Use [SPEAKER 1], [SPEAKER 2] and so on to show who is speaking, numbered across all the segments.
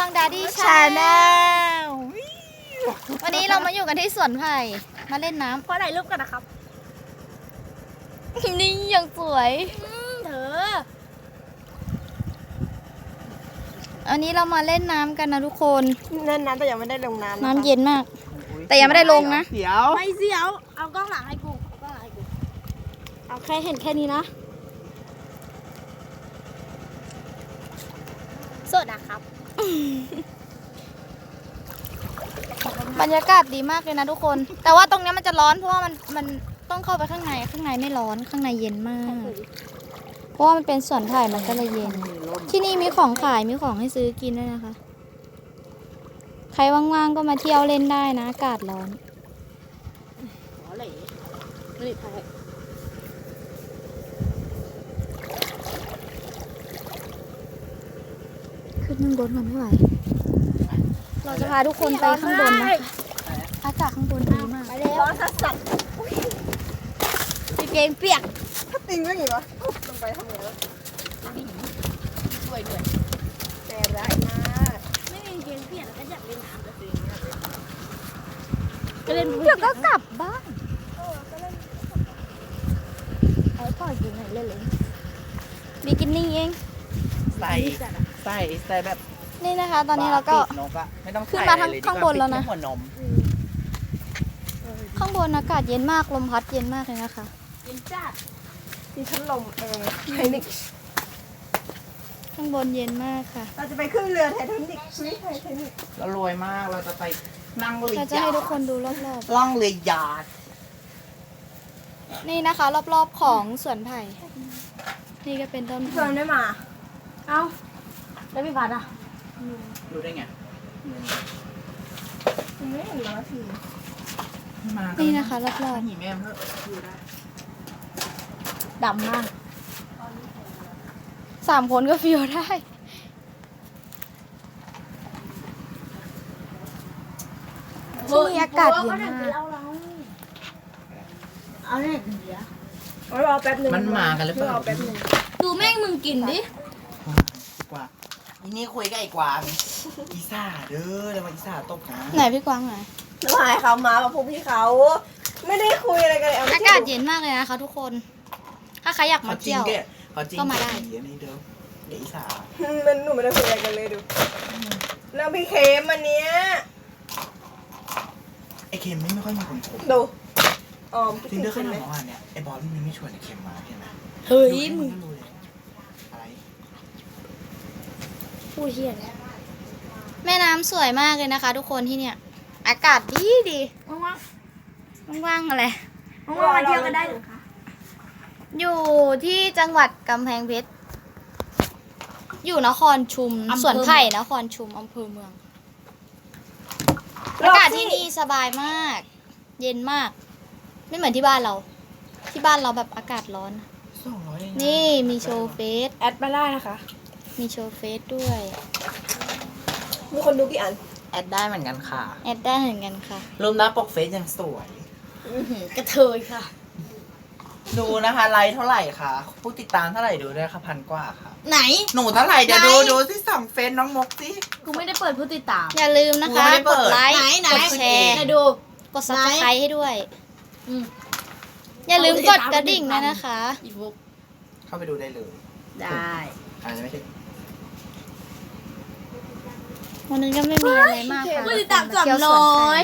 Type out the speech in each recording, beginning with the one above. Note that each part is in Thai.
[SPEAKER 1] องดาดี้ชาแนลวันนี้เรามาอยู่กันที่สวนไผ่มาเล่นน้ำ
[SPEAKER 2] ขอถ่ายรูปกันนะครับ
[SPEAKER 1] นี่ยังสวย
[SPEAKER 2] เธอ
[SPEAKER 1] อันนี้เรามาเล่นน้ำกันนะทุกคน
[SPEAKER 2] เล่นน้ำแต่ยังไม่ได้ลงน้ำ
[SPEAKER 1] น้ำเย็นมาก แต่ยังไม่ได้ลงนะ
[SPEAKER 3] เดี๋ยว
[SPEAKER 2] ไม่เสียวเอากล้องหลังให้กูเอากล้องหลังให้กูเอาแค่เห็นแค่นี้นะสดนะครับ
[SPEAKER 1] บรรยากาศดีมากเลยนะทุกคน แต่ว่าตรงนี้มันจะร้อนเพราะว่ามันต้องเข้าไปข้างในไม่ร้อนข้างในเย็นมาก เพราะว่ามันเป็นสวนไผ่มันก็เลยเย็น ที่นี่มีของขายมีของให้ซื้อกินด้วยนะคะ ใครว่างๆก็มาเที่ยวเล่นได้นะอากาศร้อน
[SPEAKER 2] อ๋อเหล่ไม่ได้ถ่าย
[SPEAKER 1] ขึ้นข้างบนก่อนไม่ไหว เราจะพาทุกคนไปข้างบนนะคะอากาศข้างบนดีมาก
[SPEAKER 2] ไปแล้วร้อนสัสๆพี่เกงเปียก
[SPEAKER 3] ถ้าติงก็อย่างนี้วะลงไปทำไงวะ
[SPEAKER 2] สวยด้วย
[SPEAKER 3] แต่ร้ายมาก
[SPEAKER 2] ไม่มีเกงเปียกแล้วก็อยากเล่นน้ำกับตัวเองก็เล่น
[SPEAKER 1] เดี๋ยวก็กลับบ้านเอาพ่อกินหน่อยเล่นเลยบิกินี่เอง
[SPEAKER 3] ใส่แบบ
[SPEAKER 1] นี่นะคะ ตอนนี้เราก็
[SPEAKER 3] ปิดนกอะไม่ต้อง
[SPEAKER 1] ขึ้นมา
[SPEAKER 3] ใส่อะไรเลย
[SPEAKER 1] ข้างบนแล้วนะ
[SPEAKER 3] ปิดค่หัวนม
[SPEAKER 1] ข้างบนอากาศเย็นมากลมพัดเย็นมากเลยนะคะ
[SPEAKER 2] กินจ้า
[SPEAKER 3] ที่พัดลมไททานิก
[SPEAKER 1] ข้างบนเย็นมากค่ะ
[SPEAKER 3] เราจะไปขึ้นเรือไททานิกไททานิกเรารวยมากเราจะไปนั่งเรือ
[SPEAKER 1] เราจะให้ทุกคนดูรอบ
[SPEAKER 3] ล่องเรือยาด
[SPEAKER 1] ๆ นี่นะคะ รอบๆของสวนไผ่ นี่ก็เป็นต้น
[SPEAKER 2] เฟิร์นได้มา เอ้าแล้วพี่พัดอ่ะ
[SPEAKER 3] รู้ได้ไงไม่เห็นแล้วสิมา
[SPEAKER 1] นี่นะคะรอบ
[SPEAKER 3] หนีแม่เพื่ออยู่ได้
[SPEAKER 2] ดำมาก
[SPEAKER 1] ๆ3 คนก็ฟิวได้ ที่นี่อากาศเย็นมาก
[SPEAKER 2] เอาเนี่ยเดี๋ยว
[SPEAKER 3] รอแป๊บนึงมันมากันหรือเปล่า
[SPEAKER 2] ดูแม่งมึงกินดิ
[SPEAKER 3] ดีกว่าอีนี่คุยกับไอ้กวางอีซ่าเด้อแล้วมาอีซ่าตบนะ
[SPEAKER 1] ไหนพี่กวางไหน
[SPEAKER 3] แล้วหายเขามาแบบพวกพี่เขาไม่ได้คุยอะไรกันเลย
[SPEAKER 1] อากาศเย็นมากเลยนะคะทุกคน ถ้าใครอยาก
[SPEAKER 3] เขา
[SPEAKER 1] มา
[SPEAKER 3] จริง
[SPEAKER 1] เที่ยว
[SPEAKER 3] แกเขาจริง
[SPEAKER 1] ก็มาได้
[SPEAKER 3] เดี๋ยวนี้เด้อเดี๋ยวอีซ่า
[SPEAKER 4] มันหนูไม่ได้คุยอะไรกันเลยดูแล้วพี่เคมอันเนี้ย
[SPEAKER 3] ไอ้เค็มไม่ค่อยมีคนคบ
[SPEAKER 4] ดูออม
[SPEAKER 3] จริงเด้อขนาดเมื่อวานเนี่ยไอ้บอสมันไม่ชวนไอ้เค็มมาใช่ไหม
[SPEAKER 2] เฮ้ย
[SPEAKER 3] ดู
[SPEAKER 2] มึง
[SPEAKER 3] ก็รู้เลยอะไร
[SPEAKER 2] พูดเฮียเลย
[SPEAKER 1] แม่น้ำสวยมากเลยนะคะ ทุกคนที่เนี่ย อากาศดีดี
[SPEAKER 2] ว่าง
[SPEAKER 1] ว่างๆอะไร
[SPEAKER 2] ๆว่างๆมาเที่ยวกันได้เหรอคะ
[SPEAKER 1] อยู่ที่จังหวัดกำแพงเพชร อยู่นครชุม สวนไผ่นครชุมอำเภอเมือง อากาศที่นี่สบายมาก เย็นมาก ไม่เหมือนที่บ้านเรา ที่บ้านเราแบบอากาศร้อน
[SPEAKER 3] 200เองะ
[SPEAKER 1] นี่มีโชว์เฟส
[SPEAKER 4] แอดมาได้นะคะ
[SPEAKER 1] มีโชว์เฟสด้วย
[SPEAKER 4] มีคนดูกี่อัน
[SPEAKER 3] แอดได้เหมือนกันค่ะ
[SPEAKER 1] แอดได้เหมือนกันค่ะ
[SPEAKER 3] รูปหน้าปกเฟซยังสวย
[SPEAKER 2] กระเทยค่ะ
[SPEAKER 3] ดูนะคะไลค์เท่าไหร่คะผู้ติดตามเท่าไหร่ดูด้วยค่ะ1,000 กว่าค่ะ
[SPEAKER 2] ไหน
[SPEAKER 3] หนูเท่าไหร่เดี๋ยว
[SPEAKER 2] ไหน
[SPEAKER 3] ดูที่ส่องเฟซน้องมกสิ
[SPEAKER 2] กูไม่ได้เปิดผู้ติดตาม
[SPEAKER 1] อย่าลืมนะคะ
[SPEAKER 3] ไม่ได้เปิ
[SPEAKER 1] ก
[SPEAKER 3] ด
[SPEAKER 1] ดไลค์
[SPEAKER 2] ไหน
[SPEAKER 1] กดแชร์
[SPEAKER 2] ไหนดู
[SPEAKER 1] กด subscribe ให้ด้วย
[SPEAKER 2] อืม
[SPEAKER 1] อย่าลืมกดกระดิ่งด้วยนะคะ
[SPEAKER 2] อีฟุก
[SPEAKER 3] เข้าไปดูได้เลย
[SPEAKER 2] ได้
[SPEAKER 3] อาจจะไม่ใช่
[SPEAKER 1] วันนี้ก็ไม่มีอะไรมากค่ะ
[SPEAKER 2] ผู้ติดตาม
[SPEAKER 1] เที่ยวสวน
[SPEAKER 2] 300
[SPEAKER 1] ไผ่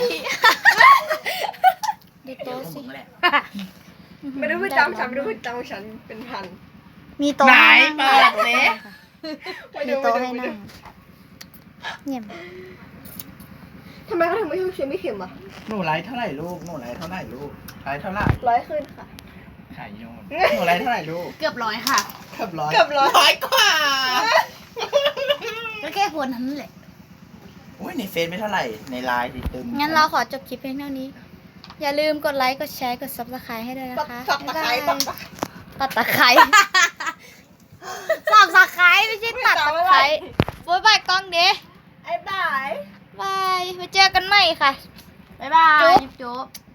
[SPEAKER 1] ดู
[SPEAKER 3] เดี๋ยว
[SPEAKER 1] โต๊ะ
[SPEAKER 3] ผ
[SPEAKER 1] สิ
[SPEAKER 3] มแหละ
[SPEAKER 4] ไม่ได้พูดตามฉันไม่ได้พูดตามฉันเป็นพัน
[SPEAKER 1] มีโต๊ะ
[SPEAKER 3] ไหน
[SPEAKER 1] ให้นั่ง
[SPEAKER 3] เปิดสิ
[SPEAKER 1] มีโต๊ะให้นั่งเงียบ
[SPEAKER 4] ทำไมเขาถึงไม่ชอบเชียร์ไม่เข็มอ่ะ
[SPEAKER 3] หนูไลค์เท่าไหร่ลูกหนูไลค์เท่าไหร่ลูกไลค์เท่าไหร่
[SPEAKER 4] 100ขึ้นค่ะ
[SPEAKER 3] ขายโยนหนูไลค์เท่าไหร่ลูก
[SPEAKER 2] เกือบร้อยค่ะ
[SPEAKER 3] เกือบร้อย
[SPEAKER 4] เกือบร้อย
[SPEAKER 3] ร้อยกว่า
[SPEAKER 2] ก็แค่คนนั้นแหละ
[SPEAKER 3] โอ้ยในเฟซไม่เท่าไหร่ในไลน์ติดตึม
[SPEAKER 1] งั้นเราขอจบคลิปเพียงเท่านี้ อย่าลืมกดไลค์ กดแชร์ กด subscribe ให้ด้วยนะคะ
[SPEAKER 4] ตับตะไคร้
[SPEAKER 1] บ๊าย
[SPEAKER 4] ตั
[SPEAKER 1] บาย
[SPEAKER 4] บตะไคร้
[SPEAKER 1] ตัดตะไคร้ subscribe ไม่ใช่ตัดตะไคร้โบ๊ายบายกล้องเด้
[SPEAKER 4] ไอ้บ่าย
[SPEAKER 1] บายไปเจอกันใหม่ค่ะ
[SPEAKER 2] บ๊ายบาย
[SPEAKER 1] จุ๊บ
[SPEAKER 2] จุ๊บ